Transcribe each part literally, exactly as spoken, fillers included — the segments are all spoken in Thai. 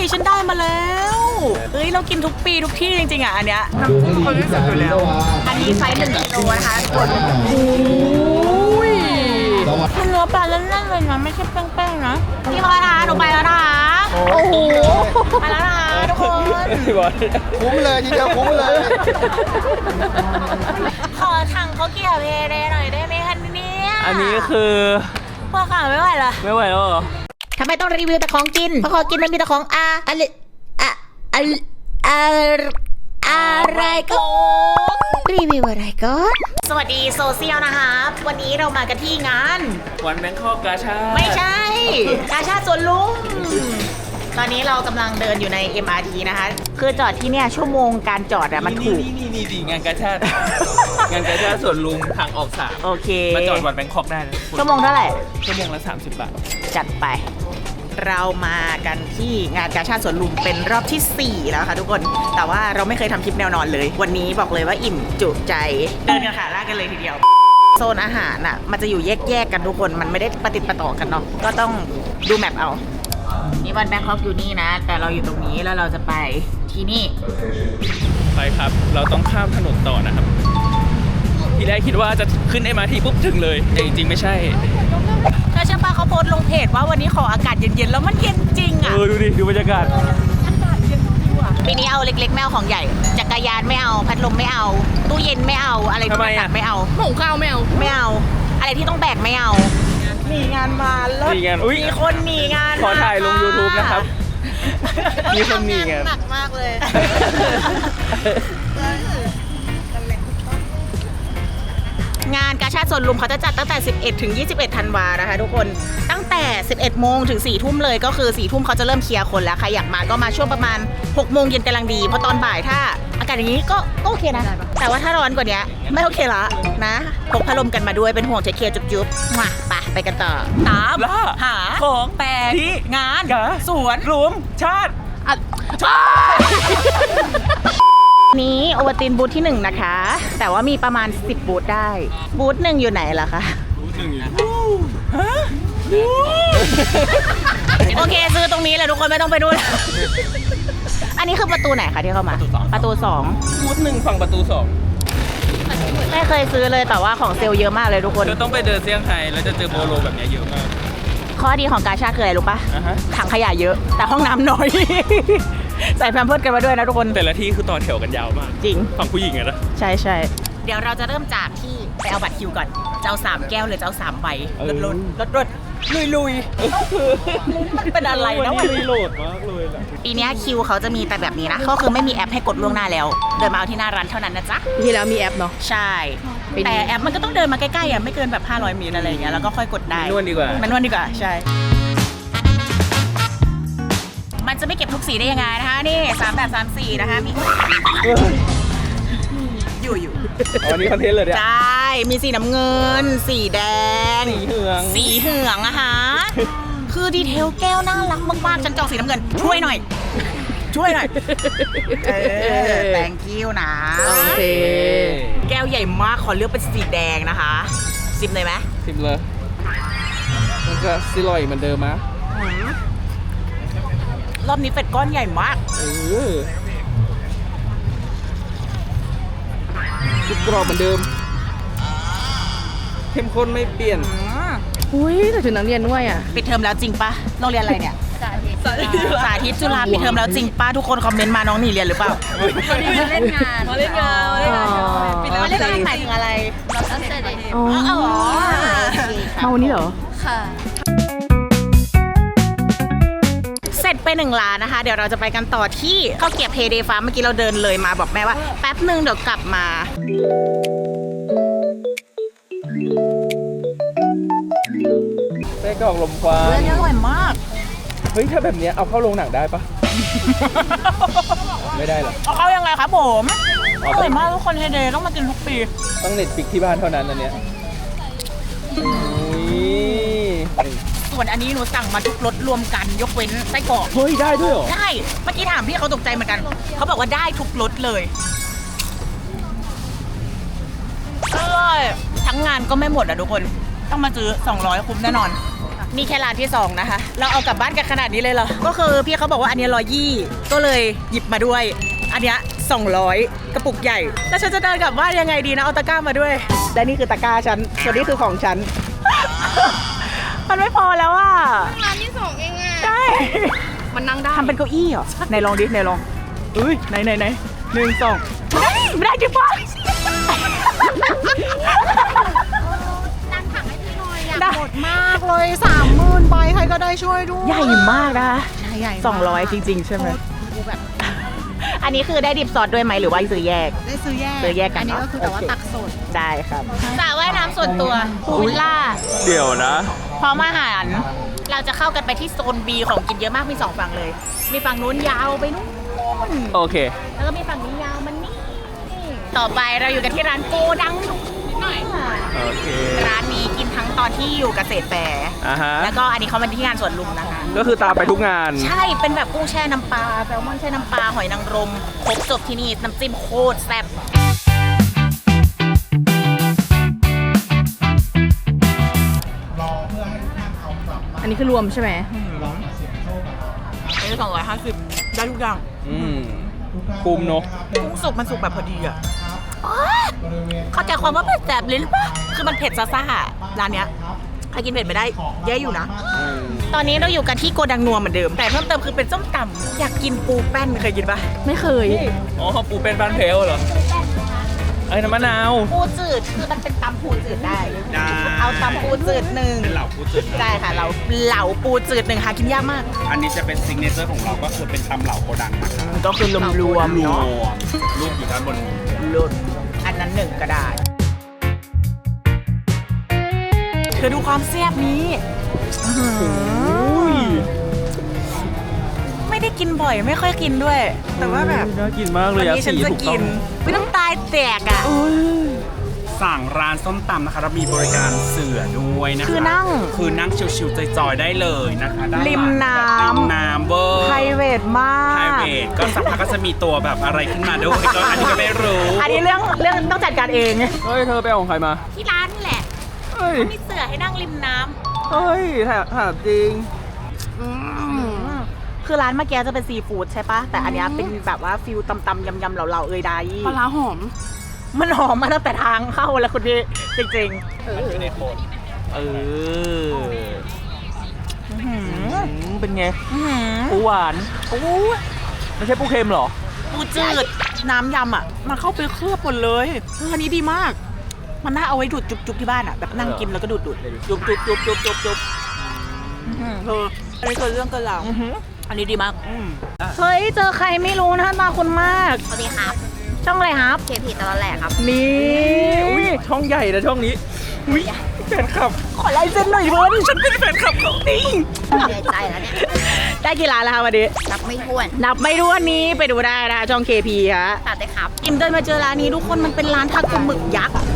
ฉันได้มาแล้วเฮ้ยเรากินทุกปีทุกที่จริงๆอ่ะอันเนี้ยน้ำจิ้มคนที่สุดอยู่แล้วอันนี้ไซส์หนึ่งกิโลนะคะทุกคนโอ้ยมันเนื้อปลาแน่นๆเลยนะไม่ใช่แป้งๆนะพี่บอลนะคะหนูไปแล้วนะคะโอ้โหไปแล้วนะคะทุกคนคุ้มเลยทีเดียวคุ้มเลยขอถังเขาเกี่ยวเพเดหน่อยได้ไหมคะเนี่ยอันนี้คือพวกข่าวไม่ไหวละไม่ไหวแล้วเหรอทำไมต้องรีวิวแต่ของกินเพราะของกินมันมีแต่ของอาอะไรอะอะอะไรก็รีวิวอะไรก็สวัสดีโซเชียลนะคะวันนี้เรามากันที่งานวันแบงคอกกาชาดไม่ใช่กาชาดสวนลุมตอนนี้เรากำลังเดินอยู่ใน เอ็ม อาร์ ที นะคะคือจอดที่เนี่ยชั่วโมงการจอดอะมันถูกนี่นี่นี่งานกาชาดงานกาชาดสวนลุมทางออกสามโอเคมาจอดวันแบงคอกได้นะชั่วโมงเท่าไหร่ชั่วโมงละสามสิบบาทจัดไปเรามากันที่งานกาชาดสวนลุมเป็นรอบที่สี่แล้วค่ะทุกคนแต่ว่าเราไม่เคยทำคลิปแนวนอนเลยวันนี้บอกเลยว่าอิ่มจุใจเดินกันขาลากกันเลยทีเดียวโซนอาหารอ่ะมันจะอยู่แยกๆกันทุกคนมันไม่ได้ประติดประต่อกันเนาะก็ต้องดูแมปเอานี่วันแบงคอกอยู่นี่นะแต่เราอยู่ตรงนี้แล้วเราจะไปที่นี่ไปครับเราต้องข้ามถนนต่อนะครับทีแรกคิดว่าจะขึ้น เอ็ม อาร์ ที ปุ๊บถึงเลยแต่จริงๆไม่ใช่ถ้าเชื่อป้าเขาโพสต์ลงเพจว่าวันนี้ขออากาศเย็นๆแล้วมันเย็นจริงอ่ะเออดูดิดูบรรยากาศอากาศเย็นดีว่ะปีนี้เอาเล็กๆไม่เอาของใหญ่จักรยานไม่เอาพัดลมไม่เอาตู้เย็นไม่เอาอะไรที่หนักไม่เอาหุงข้าวไม่เอาไม่เอาอะไรที่ต้องแบกไม่เอาหนีงานมาแล้วมีคนหนีงานขอถ่ายลง ยูทูบ นะครับมีคนหนีงานหนักมากเลยงานกาชาดสวนลุมเขาจะจัดตั้งแต่สิบเอ็ดถึงยี่สิบเอ็ดธันวานะคะทุกคนตั้งแต่สิบเอ็ดโมงถึงสี่ทุ่มเลยก็คือสี่ทุ่มเขาจะเริ่มเคลียร์คนแล้วใครอยากมาก็มาช่วงประมาณหกโมงเย็นกำลังดีเพราะตอนบ่ายถ้าอากาศอย่างนี้ก็โอเคนะแต่ว่าถ้าร้อนกว่านี้ไม่โอเคละนะพกพัดลมกันมาด้วยเป็นห่วงเทคเคลียร์จุ๊บๆมาไปไปกันต่อตามหาของแปลกที่งานสวนลุมชาตินี้โอวัลตินบูธที่หนึ่งนะคะแต่ว่ามีประมาณสิบบูธได้บูธหนึ่งอยู่ไหนล่ะคะบูธหนึ่งอยู่ฮะโอเคซื้อตรงนี้เลยทุกคนไม่ต้องไปดูอันนี้คือประตูไหนคะที่เข้ามาประตูสองบูธหนึ่งฝั่งประตูสองไม่เคยซื้อเลยแต่ว่าของเซลล์เยอะมากเลยทุกคนเราต้องไปเดินเซี่ยงไฮ้แล้วจะเจอโบโลแบบนี้เยอะมากข้อดีของกาชาดคืออะไรรู้ปะถังขยะเยอะแต่ห้องน้ำน้อยใส่แพมเพิร์สกันมาด้วยนะทุกคนแต่ละที่คือต่อแถวกันยาวมากจริงฝั่งผู้หญิงอะนะใช่ใช่เดี๋ยวเราจะเริ่มจากที่ไปเอาบัตรคิวก่อนเจ้าสามแก้วเลยเจ้าสามใบรถรถรถรถลุยลุยมันเป็นอะไรนะวันนี้โหลดมากเลยล่ะปีนี้คิวเขาจะมีแต่แบบนี้นะก็คือไม่มีแอปให้กดล่วงหน้าแล้วเดินมาเอาที่หน้าร้านเท่านั้นนะจ๊ะที่แล้วมีแอปเนาะใช่แต่แอปมันก็ต้องเดินมาใกล้ๆอ่ะไม่เกินแบบห้าร้อยเมตรอะไรอย่างเงี้ยแล้วก็ค่อยกดได้นวดดีกว่ามันนวดดีกว่าใช่มันจะไม่เก็บทุกสีได้ยังไงนะคะนี่สามแบบสามสีนะคะมีอยู่อยู่อันนี้คอนเทนต์เลยเนี่ยใช่มีสีน้ำเงินสีแดงสีเหลืองสีเหลืองอะฮะคือดีเทลแก้วน่ารักมากๆฉันจองสีน้ำเงินช่วยหน่อยช่วยหน่อยเออแตงกิ้วนะโอเคแก้วใหญ่มากขอเลือกเป็นสีแดงนะคะซิมเลยไหมซิมเลยมันจะซิลอยเหมือนเดิมมั้ยรอบนี้เป็ดก้อนใหญ่มากเออทุกกรอบเหมือนเดิมเข้มข้นไม่เปลี่ยนอุ้ยแต่ถึงนักเรียนด้วยอ่ะปิดเทอมแล้วจริงปะโรงเรียนอะไรเนี่ยสาธิตจุฬาปิดเทอมแล้วจริงปะทุกคนคอมเมนต์มาน้องหนีเรียนหรือเปล่าเขาเล่นงานเขาเล่นงานปิดแล้วเล่นงานหมายถึงอะไรตั้งแต่เด็กอ๋อมาวันนี้เหรอค่ะเสร็จไปหนึ่งร้านนะคะเดี๋ยวเราจะไปกันต่อที่ข้าวเกรี๊ยวเพเดฟาร์มเมื่อกี้เราเดินเลยมาบอกแม่ว่าแป๊บนึงเดี๋ยวกลับมาไส้กรอกลมควันเรื่องนี้อร่อยมากเฮ้ยถ้าแบบนี้เอาเข้าโรงหนังได้ปะไม่ได้หรอเอาเข้ายังไงครับผมอร่อยมากทุกคนเฮเดต้องมากินทุกปีต้องเน็ตฟิกที่บ้านเท่านั้นอันเนี้ยส่วนอันนี้หนูสั่งมาทุกรสรวมกันยกเว้นไส้กรอกเฮ้ยได้ด้วยเหรอได้เมื่อกี้ถามพี่เขาตกใจเหมือนกันเขาบอกว่าได้ทุกรสเลยอร่อยทั้งงานก็ไม่หมดอ่ะทุกคนต้องมาซื้อสองร้อยคุ้มแน่นอนนี่แค่ร้านที่สองนะคะ เราเอากลับบ้านกันขนาดนี้เลยเหรอ ก็คือพี่เขาบอกว่าอันนี้ร้อยยี่ก็เลยหยิบมาด้วย อันเนี้ยสองร้อยกระปุกใหญ่ แล้วฉันจะเดินกลับบ้านยังไงดีนะ เอาตะกร้ามาด้วย และนี่คือตะกร้าฉัน ส่วนนี้คือของฉัน มันไม่พอแล้วอ่ะร้านที่สองเองอ่ะใช่มันนั่งได้ทำเป็นเก้าอี้เหรอไหนลองดิไหนลองเอ้ยไหนไหนไหนหนึ่งสองไม่ได้จริงปะดันถังให้พี่หน่อยอยากได้หมดมากเลยสามหมื่นใบใครก็ได้ช่วยด้วยใหญ่มากนะใช่ใหญ่สองร้อยจริงๆใช่ไหมกูแบบอันนี้คือได้ดิบซอสด้วยไหมหรือว่าซื้อแยกได้ซื้อแยกซื้อแยกกันอันนี้เนอะก็คือแต่ว่าโอเคตักสดได้ครับสระว่ายน้ำส่วนตัวพูลวิลล่าเดี๋ยวนะพร้อมอาหาร เราจะเข้ากันไปที่โซน B ของกินเยอะมากมีสองฝั่งเลย มีฝั่งนู้นยาวไปนู้นโอเคแล้วก็มีฝั่งนี้ยาวมันนี่ ต่อไปเราอยู่กันที่ร้านโกดังหน่อยโอเคร้านนี้กินทั้งตอนที่อยู่เกษตรแฟร์อ่าฮะแล้วก็อันนี้เขามาที่งานสวนลุมนะคะก็คือตามไปทุกงานใช่ เป็นแบบกุ้งแช่น้ำปลาแซลมอนแช่น้ำปลา หอยนางรม ครบจบที่นี่ น้ำจิ้มโคตรแซ่บอันนี้คือรวมใช่ไหมอันนี้สองร้อยห้าสิบได้ทุกอย่างอืมคุ้มเนอะกุ้งสุกมันสุกแบบพอดีอ่ะอ๊ะเข้าใจความว่าเผ็ดแสบลิ้นปะคือมันเผ็ดซ่าๆร้านเนี้ยใครกินเผ็ดไม่ได้แย่อยู่นะอืมตอนนี้เราอยู่กันที่โกดังนัวเหมือนเดิม แต่เพิ่มเติมคือเป็นส้มตำอยากกินปูแป้นเคยกินปะไม่เคยอ๋อปูเป็นบ้านเพลเหรอไอ้น้ำมะนาวปูจืดคือมันเป็นตำปูจืดได้ได้เอาตำปูจืดหนึ่งเป็นเหล่าปูจืดใช่ค่ะเราเหลาปูจืดหนึ่งหากินยากมากอันนี้จะเป็นซิกเนเจอร์ของเราก็คือเป็นตำเหลาโกดังนะครับก็คือรวมรวมรวเนาะมรูปอยู่ด้านบนนี้รุ่นอันนั้นหนึ่งก็ได้เธอดูความแซ่บนี้ไม่ได้กินบ่อยไม่ค่อยกินด้วย แต่ว่าแบบน่ากินมากเลวันยอะนี้ฉันสีจะถูกต้กิองนไม่ต้องตายแตกอ่ะสั่งร้านส้มตำนะคะเรามีบริการเสือด้วยนะคะคือนั่งคือนั่งชิวๆจอยๆได้เลยนะคะด้านหลังริมน้ำริมน้ำเวอร์ไพรเวทมากไพรเวทก็สักพักก็จะมีตัวแบบอะไรขึ้นมาด้วยก็อันนี้ก็ไม่รู้อันนี้เรื่องเรื่องต้องจัดการเองเฮ้ย เธอไปเอาของใครมาที่ร้านนี่แหละเฮ้ยมีเสือให้นั่งริมน้เฮ้ยถามถามจริงำคือร้านเมื่อกี้จะเป็นซีฟู้ดใช่ปะแต่อันเนี้ยเป็นแบบว่าฟิลตำๆยำๆเหลาๆเอยใดปลาร้าหอมมันหอมมาตั้งแต่ทางเข้าแล้วคุณพี่จริงเออๆอื้อหือเป็นไงอื้อหือปูหวานโอ้ยไม่ใช่ปูเค็มเหรอปูจืดน้ำยำอ่ะ มันเข้าไปเคลือบหมดเลยเอออันนี้ดีมาก มันน่าเอาไว้ดูดจุบๆที่บ้านอ่ะแบบนั่งกินแล้วก็ดูดดูดจุบจุบจุบจุบจุบจุบเอออันนี้คือเรื่องกันเราอันนี้ดีมากเฮ้ยเจอใครไม่รู้นะตาคุณมากสวัสดีครับช่องอะไรครับเคพีตลอดแหลกครับนี่อุ้ยช่องใหญ่นะช่องนี้ อุ้ยแฟนคลับขอลายเซ็นหน่อยเว้ยฉันเป็นแฟนคลับเขานี่เสียใจแล้วเนี่ยได้กี่ร้านแล้วคะวันนี้รับไม่ถ้วนนับไม่รู้วันนี้ไปดูได้นะคะช่อง เค พี ฮะตัดได้ครับอิมเดินมาเจอร้านนี้ทุกคนมันเป็นร้านทาโกหมึกยักษ์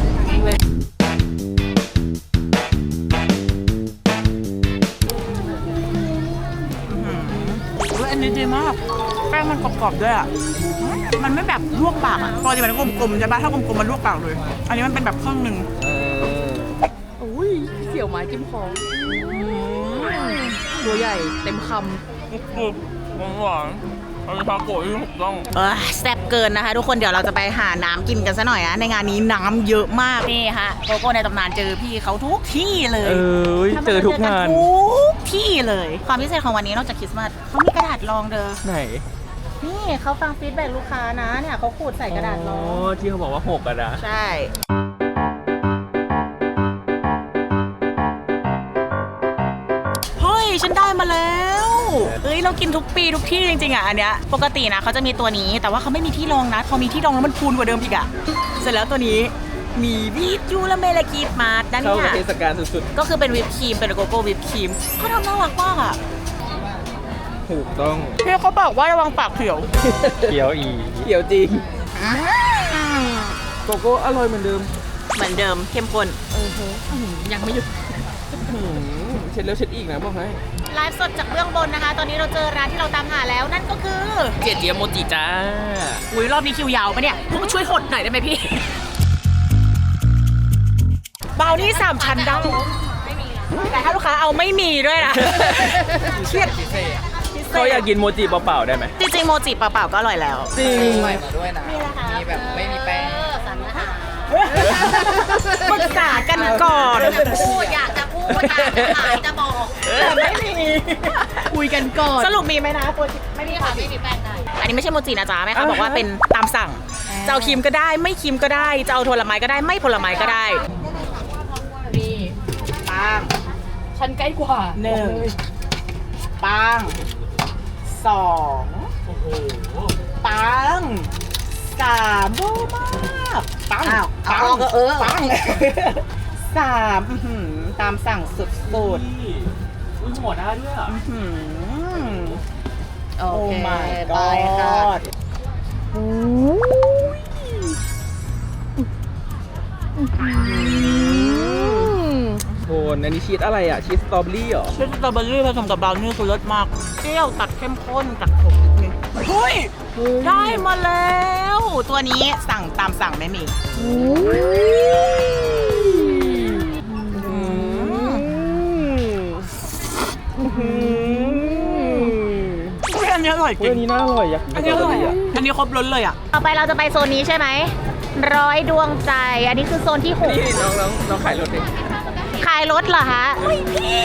อันนี้ดีมากแป้งมันกรอบๆด้วยอ่ะมันไม่แบบลวกปากอ่ะปกติมันกลมๆใช่ปะถ้ากลมๆมันลวกปากเลย อันนี้มันเป็นแบบครึ่งหนึ่งเอออุ้ยเสี่ยวไม้จิ้มคอตัวใหญ่เต็มคกรุบหวานหวานอันนี้ทาโกะที่ถูกต้องเออแซ่บเกินนะคะทุกคนเดี๋ยวเราจะไปหาน้ำกินกันซะหน่อยนะในงานนี้น้ำเยอะมากนี่ฮะโกโก้ในตำนานเจอพี่เขาทุกที่เลยเออเจอทุกงานทุกที่เลย ความพิเศษของวันนี้นอกจากคริสต์มาสเขามีกระดาษรองเด้อไหนนี่เขาฟังฟีดแบ็กลูกค้านะเนี่ยเขาขูดใส่กระดาษรอ๋ออง ที่เขาบอกว่าหกอะนะใช่เฮ้ยฉันได้มาแล้วเอ้ยเรากินทุกปีทุกที่จริงๆอ่ะอันเนี้ยปกตินะเขาจะมีตัวนี้แต่ว่าเขาไม่มีที่รองนะพอมีที่รองแล้วมันคูณกว่าเดิมอีกอ่ะเสร็จแล้วตัวนี้มีบีทยูและเมลากีดมาร์ด้านเข้าเนี้กับยเทศกาลสุดก็คือเป็นวิปครีมเป็นโกโก้วิปครีมเขาทำน่ารักมากอ่ะๆ ถูกต้องพี่เขาบอกว่าระวังปากเขียวเขียวอีเขียวจริง โกโก้อร่อยเหมือนเดิมเหมือนเดิมเข้มข้นำยังไม่หยุดหืมเช็ดแล้วเช็ดอีกนะบอกให้ไลฟ์สดจากเบื้องบนนะคะ ตอนนี้เราเจอร้านที่เราตามหาแล้วนั่นก็คือเจียเจียโมจิจ้าอุ้ยรอบนี้คิวยาวปะเนี่ยพวกช่วยหดหน่อยได้ไหมพี่ บราวนี่สามชั้นได้แต่ถ้าลูกค้าเอาไม่มีด้วยนะเครียดเขาอยากกินโมจิเปล่าๆได้ไหมจริงๆโมจิเปล่าๆก็อร่อยแล้วจริงใส่มาด้วยนะ มีแบบไม่มีแป้งปรึกษากันก่อนพูดอยากจะพูดอยากจะขายจะบอกแต่ไม่มีคุยกันก่อนสรุปมีไหมนะโปรจิไม่มีค่ะไม่มีแป้งได้อันนี้ไม่ใช่โมจินะจ๊ะแม่เขาบอกว่าเป็นตามสั่งจะเอาครีมก็ได้ไม่ครีมก็ได้จะเอาผลไม้ก็ได้ไม่ผลไม้ก็ได้นี่ปังฉันใกล้กว่าหนึ่งปังสองปังสามโบมากปังอ้าวเอาออกก็เออปังสามอื้อหือตามสั่งสุดๆอุ้ยหัวหน้าด้วยอ่ะอื้อหือโอโอ้เค my ไปค่ะ god โทนอันนี้ชีสอะไรอ่ะ ชีสสตรอเบอรี่เหรอชีสสตรอเบอรี่ผสมกับบราวนี่คือรสมากเปรี้ยวตัดเข้มข้นตัดขมนิดนึงเฮ้ยได้มาแล้ว ตัวนี้สั่งตามสั่งไม่มีอันนี้อร่อยจเฮ้ยริอังนนี้น่าอร่อยอยากกินอันสนี้ตอรอเบอร่อยรี่อ่ะอันนี้ครบล้นเลยอ่ะต่อไปเราจะไปโซนนี้ใช่ไหมร้อยดวงใจ อันนี้คือโซนที่หกนี่น้องน้องน้องขายรถดิขายรถเหรอคะพี่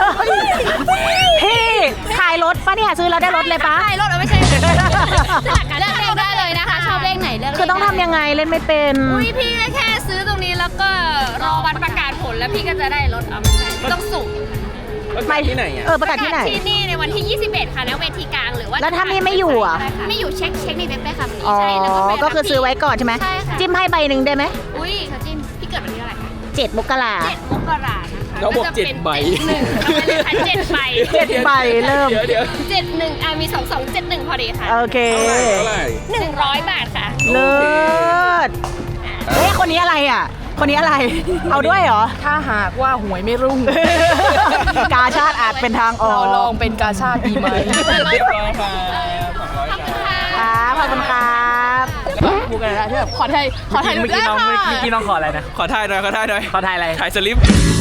พี่ขายรถปะเนี่ยซื้อแล้วได้รถเลยปะใช่รถเอาไม่ใช่เลือกเลขได้เลยนะคะ ชอบเลขไหนเลือกเลขคือต้องทำยังไงเล่นไม่เป็นอุ้ยพี่แค่ซื้อตรงนี้แล้วก็รอวันประกาศผลแล้วพี่ก็จะได้รถเอาไม่ใช่ต้องสุ่มไปที่ไหนอ่ะเออประกาศที่ไหนที่นี่ในวันที่ ยี่สิบเอ็ด ค่ะณเวทีกลางหรือว่าแล้วถ้าไม่ไม่อยู่อ่ะไม่อยู่เช็คเช็คในเว็บได้ค่ะอ๋อใช่แล้วก็ไปก็คือซื้อไว้ก่อนใช่ไหมใช่ค่ะจิ้มให้ใบหนึ่งได้ไหมอุ้ยเขาจิ้มพี่เกิดวันที่เท่าไหร่คะเจ็ดมกราเจ็ดมกรานะคะเราบอกเจ็ดใบหนึ่งเอาไปเลยค่ะเจ็ดใบเจ็ดใบเริ่มเดี๋ยวเดี๋ยวเจ็ดหนึ่งอ่ะมีสองสองเจ็ดหนึ่งพอดีค่ะโอเคเท่าไหร่หนึ่งร้อยบาทค่ะเลิศเฮ้ยคนนี้อะไรอ่ะ คนนี้อะไร เอาด้วยเหรอถ้าหากว่าหวยไม่รุ่งกาชาติอาจเป็นทางออเรากลองเป็นกาชาติดีไหมเรียบร้อยค่ะสองร้อยจ้าครับขอบคุณครับพูดกันนะที่แบบขอไทยขอไทยเมื่อกี้น้องเมื่อกี้น้องขออะไรนะขอถ่ายหน่อยขอถ่ายหน่อยขอถ่ายอะไรถ่ายสลิป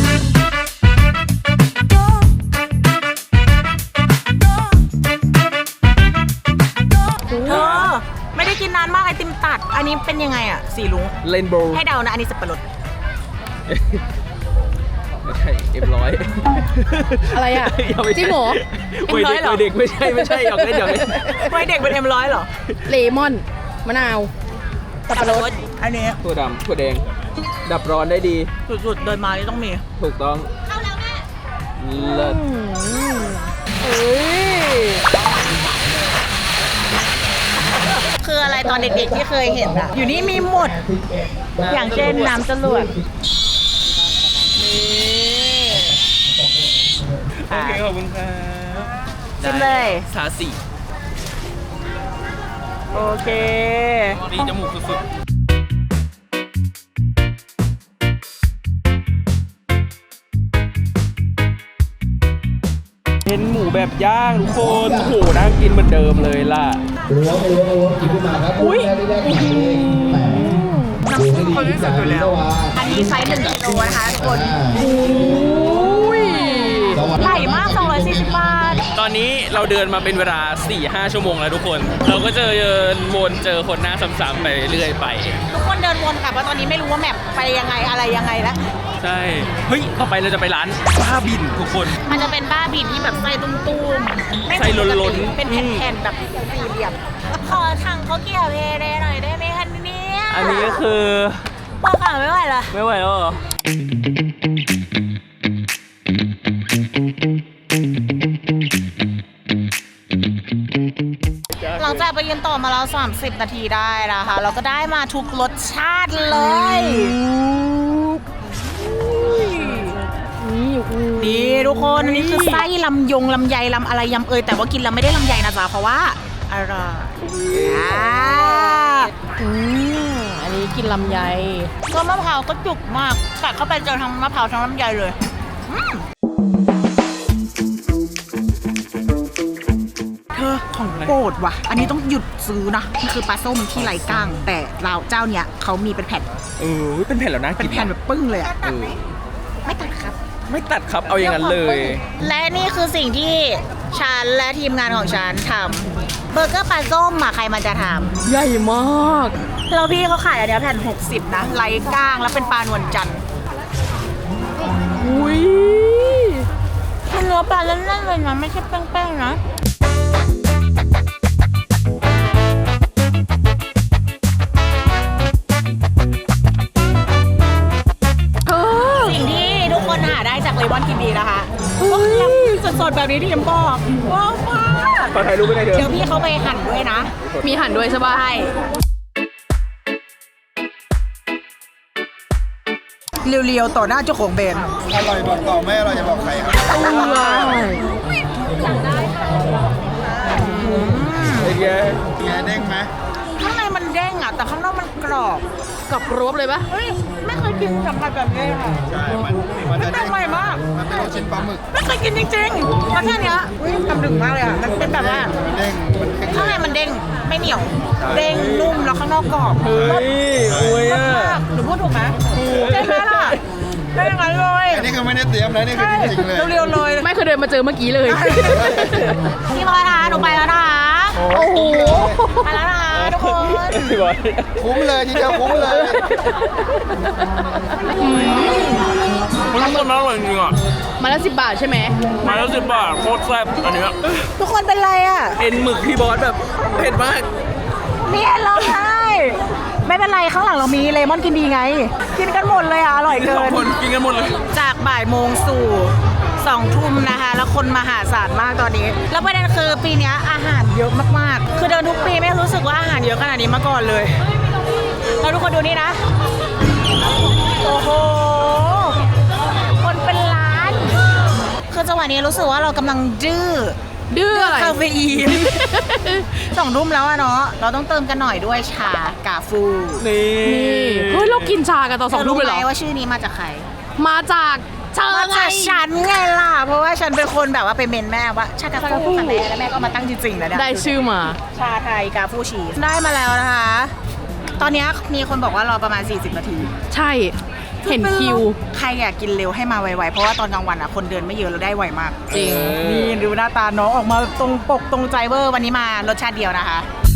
เธอไม่ได้กินนานมากไอติมตัด อันนี้เป็นยังไงอ่ะ สีลุงเลนโบว์ให้เดานะ อันนี้สับปะรดไม่ใช่เอ็มร้อยอะไรอ่ะ จิ้มหมูวัยเด็กวัยเด็กไม่ใช่ไม่ใช่หยอกเล่นหยอกเล่นไว้เด็กเป็นเอ็มร้อยเหรอเลมอน มะนาวสับปะรด อันนี้ถั่วดำถั่วแดง ดับร้อนได้ดีสุดๆ เดินมานี่ต้องมีถูกต้องเลิศเฮ้ยคืออะไรตอนเด็กๆที่เคยเห็นอะอยู่นี่มีหมด อย่างเช่นน้ำจรวดโอเคขอบคุณครับชิมเลยสาสีโอเคดีจมูกสุดๆเป็นหมูแบบย่างทุกคนโอ้โหน่ากินเหมือนเดิมเลยล่ะล้วงไปล้วงไปล้วงกินขึ้นมาครับอุ้ยได้ได้ได้น้ำซุปเขาที่สุดอยู่แล้วอันนี้ไซส์หนึ่งกิโลนะคะทุกคนอุ้ยใหญ่มากสองร้อยสี่สิบบาทตอนนี้เราเดินมาเป็นเวลา สี่ห้า ชั่วโมงแล้วทุกคน เราก็เจอเดินวนเจอคนหน้าซ้ำๆไปเรื่อยไปทุกคนเดินวนกลับว่าตอนนี้ไม่รู้ว่าแมปไปยังไงอะไรยังไงแล้วใช่ เฮ้ย ต่อไปเราจะไปร้านบ้าบินทุกคนมันจะเป็นบ้าบินที่แบบไส้ตุ้มๆไม่ไส้ล้นๆเป็นแผ่นๆแบบสี่เหลี่ยม ขอถังเขาเกี่ยวเพเดหน่อยได้ไหมคะเนี่ยอันนี้ก็คือพอขาไม่ไหวละไม่ไหวแล้วเหรอหลังจากไปยืนต่อมาแล้วสามสิบนาทีได้นะคะ เราก็ได้มาทุกรสชาติเลย นี่ทุกคนอันนี้คือไส้ลำยงลำไยลำอะไรยำเอยแต่ว่ากินแล้วไม่ได้ลำไยนะจ๊ะเพราะว่าอร่อยอ่าอืมอันนี้กินลำไยก็มะพร้าวก็จุกมากกัดเข้าไปเจอทั้งมะพร้าวทั้งลำไยเลยอืมเธอของโปรดว่ะ อันนี้ต้องหยุดซื้อนะมันคือปลาส้มที่ไร้ก้าง แต่เราเจ้าเนี้ยเขามีเป็นแผ่นเออ เป็นแผ่นแล้วนะเป็นกินแผ่นแบบปึ้งเลยอะเออไม่ตัดครับไม่ตัดครับเอาอย่างนั้นเลยและนี่คือสิ่งที่ฉันและทีมงานของฉันทำเบอร์เกอร์ปลาส้มอะใครมันจะทใหญ่มากำแล้วพี่เขาขายอันเนี้ยแผ่นหกสิบนะไร้ก้างแล้วเป็นปลานวลจันทร์อุ้ยมันเนื้อปลาแน่นๆเลยนะไม่ใช่แป้งๆนะเออสิ่งที่ทุกคนหาได้จากเลมอนกินดีนะคะก็คือสดๆแบบนี้ที่เอ็มบอกว้าวมากขอถ่ายรูปไปได้เถเดี๋ยอะวพี่เขาไปหั่นด้วยนะมีหั่นด้วยใช่ปะใช่เรียวๆต่อหน้าเจ้าของแบรนด์อร่อยบอกต่อไม่อร่อยจะบอกใครครับไอ้แกแกเด้งไหมข้างในมันเด้งอ่ะแต่ข้างนอกมันกรอบกับรวบเลยปะเฮ้ยไม่เคยกินสัมผัสแบบนี้ค่ะใช่ มันมันจะแปลเด้กงใหม่มากมันเป็นลูกชิ้นปลาหมึกไม่เคยกินจริงๆรสชาติเนี้ยอุ้ยทำถึงมากเลยอ่ะมันเป็นแบบว่ามันเด้ง มันเด้งข้างในมันเด้งไม่เหนียว เด้งนุ่มแล้วข้างนอกกรอบเฮ้ยโอ้ยรสอ่ะมากหนูพูดถูกไหมใช่ไหมล่ะได้ยังไงเลยอันนี้คือไม่ได้เตรียมนะนี่คือจริงๆเลยเรียวๆเลยไม่เคยเดินมาเจอเมื่อกี้เลยพี่บอยคะหนูไปแล้วนะคะโอ้โหไปแล้วนะคะทุกคนพี่บอยคุ้มเลยทีเดียวคุ้มเลยมันทุกคนอร่อยจริงอ่ะมาละสิบบาทใช่ไหมมาแล้วสิบบาทโคตรแซ่บอันเนี้ยทุกคนเป็นไรอ่ะเอ็นหมึกพี่บอสแบบเผ็ดมากเนี่ยร้องไห้ไม่เป็นไรข้างหลังเรามีเลมอนกินดีไง กินกันหมดเลยอ่ะอร่อยเกิสองนคนกินกันหมดเลยจากบ่ายโมงสู่สองทุ่มนะคะ แล้วคนมหาศาลมากตอนนี้ แล้วประเด็นคือปีเนี้ยอาหารเยอะมากๆ คือเดินทุกปีไม่รู้สึกว่าอาหารเยอะขนาดนี้มาก่อนเลยแล้วทุกคนดูนี่นะ โอ้โห คนเป็นล้าน คือจังหวะนี้รู้สึกว่าเรากำลังดื้อดื้ออะไรคาเฟอีน สองทุ่มแล้วอะเนาะ เราต้องเติมกันหน่อยด้วยชากาฟูนี่นี่เฮ้ยเรากินชากันตอนสองทุ่มเลยเหรอธรู้ไหมว่าชื่อนี้มาจากใครมาจากเธอมาไงจากฉันไงล่ะ เพราะว่าฉันเป็นคนแบบว่าไปเมนแม่ว่าชากาฟูค่ะแม่แล้วแม่ก็มาตั้งจริงๆแล้วเนี่ยได้ชื่อมาชาไทยกาฟูชีสได้มาแล้วนะคะ ตอนนี้มีคนบอกว่ารอประมาณ สี่สิบ นาทีใช่ เห็นคิวใครอยากกินเร็วให้มาไวๆ เพราะว่าตอนกลางวันอ่ะคนเดินไม่เยอะแล้วได้ไวมากจริงนี่ดูหน้าตาน้องออกมาตรงปกตรงใจเวอร์วันนี้มารสชาติเดียวนะคะ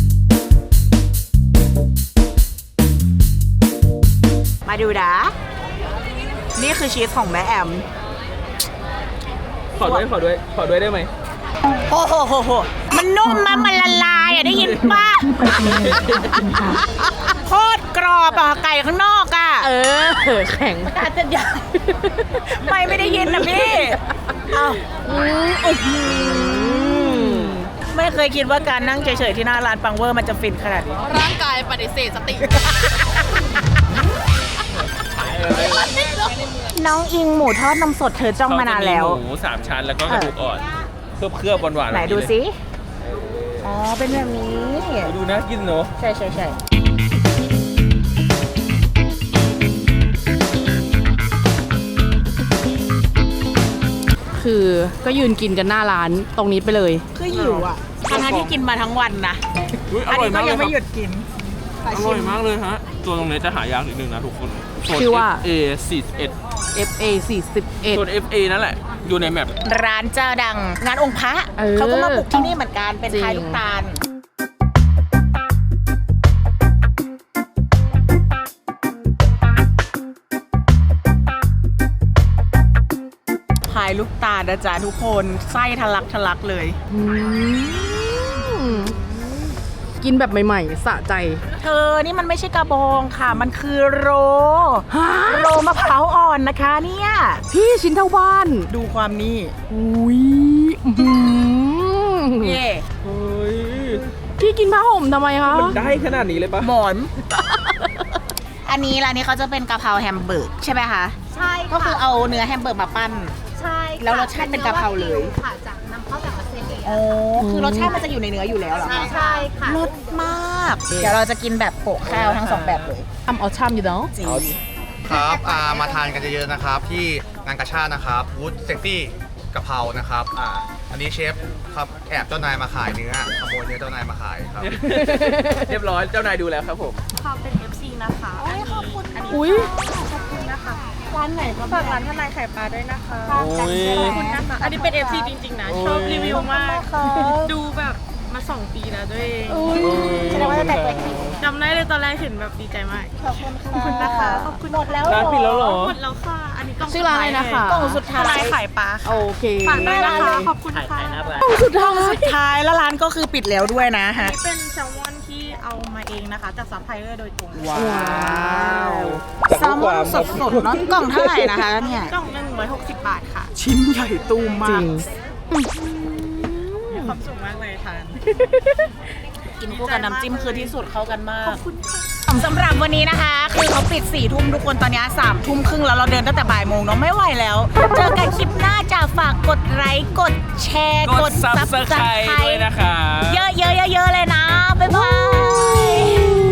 มาดูนะนี่คือชีสของแม่แอมขอด้วยขอด้วยขอด้วยได้ไหมโอ้โหโหโหมันนุ่มมากมันละลายอ่ะได้ยินป่ะ โคตรกรอบอ่ะไก่ข้างนอกอ่ะเออ แข็งอาจจะยังไม่ไม่ได้ยินนะพี่อ้าวไม่เคยคิดว่าการนั่งเฉยๆที่หน้าร้านปังเวอร์มันจะฟินขนาดนี้ร่างกายปฏิเสธสติน้องอิงหมูทอดนมสดเธอจ้องมานานแล้วเขจะมีหมูสามชั้นแล้วก็กระดูกอ่อนเคลือบเคลือบๆหวานๆไหนดูแบบสิอ๋อเป็นแบบนี้เลยดูน่ากินเนอะใช่ใช่ใช่คือก็ยืนกินกันหน้าร้านตรงนี้ไปเลยคือหิวอ่ะทั้งๆที่กินมาทั้งวันนะอุ๊ยออันร่อยนี้ก็มากเลยัยงครัไม่บหยุดกินอร่อยมากเลยฮะตัวตรงนี้จะหายากนิดนึงนะทุกคนโซนชื่อว่าเอฟ เอ สี่สิบเอ็ดเอฟ เอ สี่สิบเอ็ดโซน เอฟ เอ นั่นแหละอยู่ในแมปร้านเจ้าดังงานองค์พระเออเขาก็มาบุกที่นี่เหมือนกันเป็นจริงพายลูกตาลพายลูกตาลนะจ๊ะทุกคนไส้ทะลักทะลักเลยอืมกินแบบใหม่ๆ สะใจเธอนี่มันไม่ใช่กระบองค่ะ มันคือโรฮะโรมะพร้าวอ่อนนะคะเนี่ยพี่ชิ้นเท่าบ้านดูความนี่อุ้ยอื้อหือเย่เฮ้ยพี่กินผ้าห่มทำไมคะมันได้ขนาดนี้เลยปะหมอน อันนี้ร้านนี้เขาจะเป็นกะเพราแฮมเบอร์กใช่ไหมคะใช่ก็คือเอาเนื้อแฮมเบอร์กมาปั้นใช่แล้วรสชาติเป็นกะเพราเลยค่ะจากนำเข้าจากออสเตรเลียโอ้คือรสชาติมันจะอยู่ในเนื้ออยู่แล้วเหรอคะใช่ค่ะรสมาก เดี๋ยวเราจะกินแบบโปะข้าวทั้งสองแบบเลยทำเอาช่ำอยู่เนาะจริงครับอ่ามาทานกันเยอะๆนะครับ ที่งานกาชาดนะครับวูดเซ็กซี่กะเพรานะครับอ่าอันนี้เชฟครับแอบเจ้านายมาขายเนื้อขโมยเนื้อเจ้านายมาขายครับเรียบร้อยเจ้านายดูแล้วครับผมความเป็น เอฟ ซี นะคะ อันนี้อันนี้อุ้ยขอบคุณนะคะร้านไหนฝากร้านทนายไข่ปลาด้วยนะคะโอ้ยขอบคุณนะคะ อันนี้เป็น เอฟ ซี จริงๆนะ ชอบรีวิวมาก ดูแบบมาสองปีแล้วด้วยเองแสดงว่าจะแต่ตัวจริงจำได้เลยตอนแรกเห็นแบบดีใจมากขอบคุณนะคะขอบคุณหมดแล้วร้านปิดแล้วเหรอหมดแล้วค่ะ อันนี้กล่องชื่อร้านอะไรนะคะกล่องสุดท้ายทนายไข่ปลาค่ะโอเคฝากด้วยนะคะ ขอบคุณค่ะสุดท้ายสุดท้ายแล้วร้านก็คือปิดแล้วด้วยนะฮะนี่เป็นแซลมอนที่เอามาเองนะคะ จากซัพพลายเออร์โดยตรงว้าวแซลมอนสดๆเนาะกล่องเท่าไหร่นะคะเนี่ยกล่องหนึ่งร้อยหกสิบบาทค่ะชิ้นใหญ่ตูมมากมีความสุขมากเลยทานกินคู่กับน้ำจิ้มคือที่สุดเข้ากันมากสำหรับวันนี้นะคะ คือเขาปิดสี่ทุ่มทุกคนตอนนี้สามทุ่มครึ่งแล้วเราเดินตั้งแต่บ่ายโมงเนาะไม่ไหวแล้ว เจอกันคลิปหน้าจะฝากกดไลค์กดแชร์กด Subscribe ด้วยนะคะเยอะๆๆๆเลยนะ บ๊ายบาย